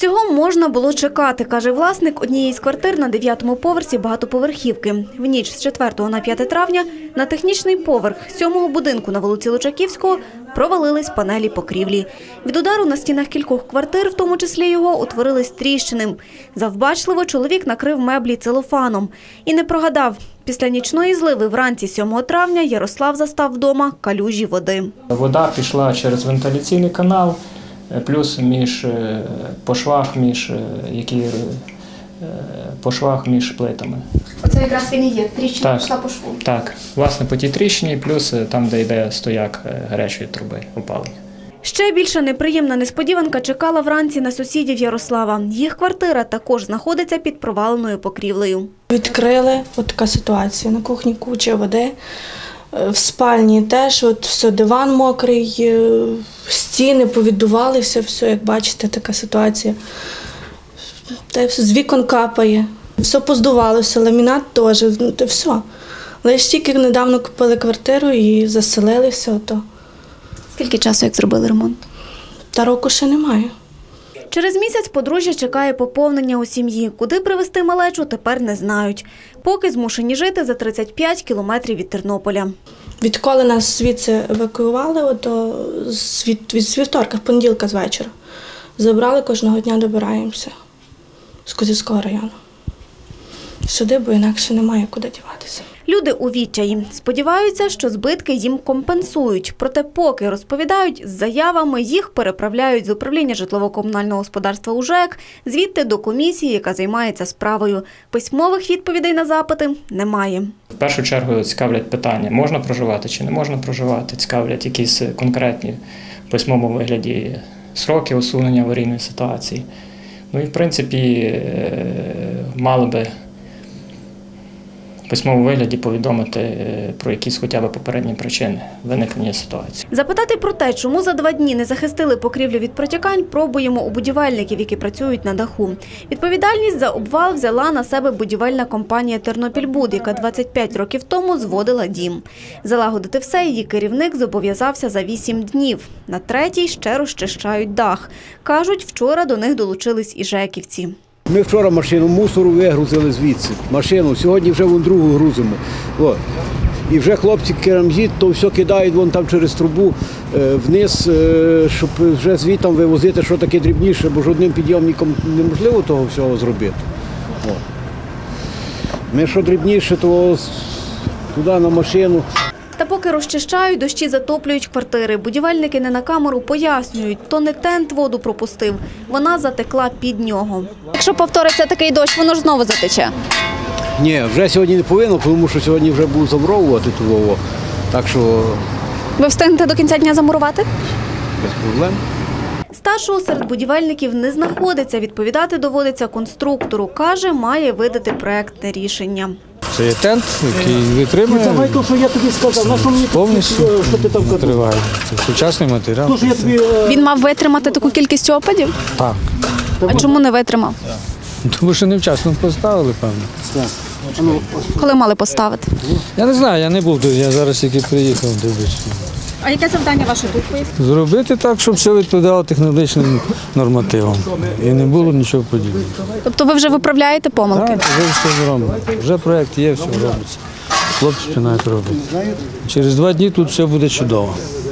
Цього можна було чекати, каже власник однієї з квартир на 9-му поверсі багатоповерхівки. В ніч з 4 на 5 травня на технічний поверх 7-го будинку на вулиці Лучаківського провалились панелі покрівлі. Від удару на стінах кількох квартир, в тому числі його, утворились тріщини. Завбачливо чоловік накрив меблі целофаном. І не прогадав. Після нічної зливи вранці 7 травня Ярослав застав вдома калюжі води. Вода пішла через вентиляційний канал, плюс по швах між плитами. Оце якраз він і є, тріщина пішла по шву. Так, власне по тій тріщині, плюс там, де йде стояк гарячої труби опалення. Ще більша неприємна несподіванка чекала вранці на сусідів Ярослава. Їх квартира також знаходиться під проваленою покрівлею. Відкрили, от така ситуація, на кухні куча води, в спальні теж, от все, диван мокрий, стіни повіддувалися, все, як бачите, така ситуація. Та з вікон капає, все поздувалося, ламінат теж, все. Лише тільки недавно купили квартиру і заселилися. Ото. Скільки часу, як зробили ремонт? Та року ще немає. Через місяць подружжя чекає поповнення у сім'ї. Куди привезти малечу, тепер не знають. Поки змушені жити за 35 кілометрів від Тернополя. Відколи нас звідси евакуювали, від вівторка, понеділка з вечора, забрали, кожного дня добираємося з Козівського району. Сюди, бо інакше немає куди діватися. Люди у відчаї. Сподіваються, що збитки їм компенсують. Проте поки, розповідають, з заявами їх переправляють з управління житлово-комунального господарства УЖЕК, звідти до комісії, яка займається справою. Письмових відповідей на запити немає. В першу чергу цікавлять питання, можна проживати чи не можна проживати, цікавлять якісь конкретні в письмовому вигляді сроки усунення аварійної ситуації. Ну і в принципі мало би в письмовому вигляді повідомити про якісь хоча б попередні причини виникнення ситуації. Запитати про те, чому за 2 дні не захистили покрівлю від протікань, пробуємо у будівельників, які працюють на даху. Відповідальність за обвал взяла на себе будівельна компанія «Тернопільбуд», яка 25 років тому зводила дім. Залагодити все її керівник зобов'язався за 8 днів. На 3-й ще розчищають дах. Кажуть, вчора до них долучились і жеківці. Ми вчора машину мусору вигрузили звідси, машину, сьогодні вже вон другу грузимо. От. І вже хлопці керамзит, то все кидають вон там через трубу вниз, щоб вже звідти вивозити, що таке дрібніше, бо ж одним підйомником неможливо того всього зробити. От. Ми що дрібніше, то туди на машину. Та поки розчищають, дощі затоплюють квартири. Будівельники не на камеру пояснюють, то не тент воду пропустив, вона затекла під нього. Якщо повториться такий дощ, воно ж знову затече? Ні, вже сьогодні не повинно, тому що сьогодні вже будуть замуровувати тут. Так що... Ви встигнете до кінця дня замурувати? Без проблем. Старшого серед будівельників не знаходиться, відповідати доводиться конструктору. Каже, має видати проектне рішення. Це є тент, який витримує, Давай то, що я тобі сказав, на що мені повністю що ти там витриває. Це сучасний матеріал. Він мав витримати таку кількість опадів? Так. А чому не витримав? Тому що невчасно поставили, певно. Коли мали поставити? Я не знаю, я не був, я зараз тільки приїхав, дивлюсь. А яке завдання ваше тут пояснити? Зробити так, щоб все відповідало технологічним нормативам. І не було нічого подібного. Тобто ви вже виправляєте помилки? Так, вже все зроблено. Вже проєкт є, все робиться. Хлопці починають робити. Через 2 дні тут все буде чудово.